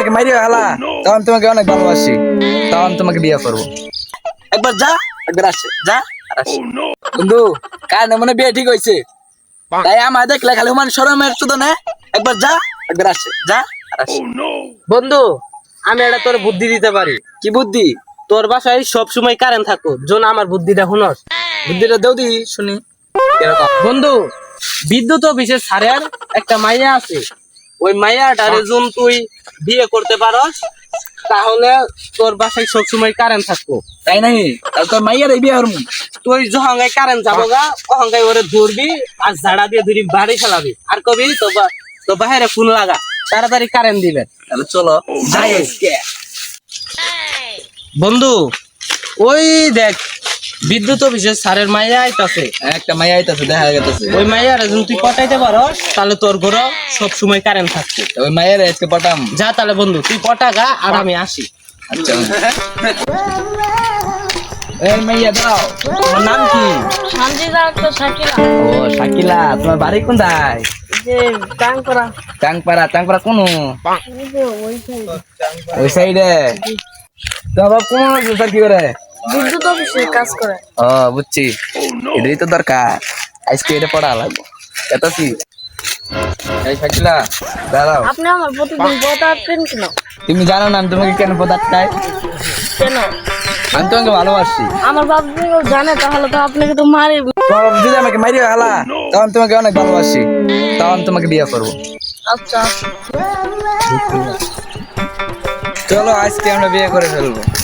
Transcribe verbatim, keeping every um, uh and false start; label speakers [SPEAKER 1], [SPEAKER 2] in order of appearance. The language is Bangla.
[SPEAKER 1] আমাকে মারিও হালা, তখন তোমাকে অনেক ভালোবাসি, তখন তোমাকে বিয়ে করবো। একবার যা, একবার আসে, যা আর আসে। বন্ধু কার মনে বিয়ে ঠিক হয়েছে, তাই আমার দেখলে খালি মান শরমের শুধু না, একবার যা, একবার আসে, যা আর আসে।
[SPEAKER 2] বন্ধু আমি এটা তোর বুদ্ধি দিতে পারি।
[SPEAKER 1] কি বুদ্ধি?
[SPEAKER 2] তোর বাসায় সব সময় কারেন্ট থাকো, জন আমার বুদ্ধিটা শুনস।
[SPEAKER 1] বুদ্ধিটা দেও দি শুনি।
[SPEAKER 2] বন্ধু বিদ্যুৎ অফিসের স্যারের একটা মাইয়া আছে, ওই মাইয়াটারে জন তুই বিয়ে করতে পারস, তাহলে তোর বাসায় সব সময় কারেন্ট থাকবো।
[SPEAKER 1] তাই নাই? তাহলে তোর মাইয়ার এই বিয়ে হরমু।
[SPEAKER 2] তুই যহঙ্গাই কারেন্ট যাবো গা, অহঙ্গাই ওরে ধরবি আর ঝাড়া দিয়ে ধরি বাড়ি ফেলাবি, আর কবি তো তো বাহিরে ফোন লাগা, তাড়াতাড়ি কারেন্ট দিবে।
[SPEAKER 1] তাহলে চলো যাই আজকে।
[SPEAKER 2] বন্ধু ওই দেখ বিদ্যুৎ অফিসের স্যারের মাইয়া আইতাছে,
[SPEAKER 1] একটা মাইয়া আইতাছে, দেখা গেছে।
[SPEAKER 2] ওই মাইয়ার যদি তুই পটাইতে পারস তাহলে তোর ঘরে সব সময় কারেন্ট থাকছে।
[SPEAKER 1] ওই মাইয়ার আজকে পটাম।
[SPEAKER 2] যা তাহলে বন্ধু তুই পটাগা আর আমি আসি।
[SPEAKER 1] আচ্ছা এই মাইয়া দাও, তোমার নাম কি?
[SPEAKER 3] সানজিদা তো শাকিলা।
[SPEAKER 1] ও শাকিলা, তোমার বাড়ি কোনটায়?
[SPEAKER 3] যে টাংপাড়া।
[SPEAKER 1] টাংপাড়া? টাংপাড়া কোন?
[SPEAKER 3] এই যে ওই সাইডে।
[SPEAKER 1] ওই সাইডে। তোমার কোন স্যার কি করে?
[SPEAKER 3] বিদ্যুৎ অফিসে কাজ করে।
[SPEAKER 1] ও বুঝছি, এটাই তো দরকার, আজকে এটা পড়া লাগবে। এত কি এই শাকিলা দাঁড়াও।
[SPEAKER 3] আপনি আমার প্রতিদিন পদার্থেন কেন?
[SPEAKER 1] তুমি জানো না আমি তোমাকে কেন পদার্থ খাই?
[SPEAKER 3] কেন?
[SPEAKER 1] আমি তোমাকে ভালোবাসি।
[SPEAKER 3] আমার বাপ যদি জানে তাহলে তো আপনাকে তো মারি।
[SPEAKER 1] তোমার বাবা যদি আমাকে মারিও হালা, তখন তোমাকে অনেক ভালোবাসি, তখন তোমাকে বিয়ে করবো।
[SPEAKER 3] আচ্ছা
[SPEAKER 1] চলো আজকে আমরা বিয়ে করে ফেলবো।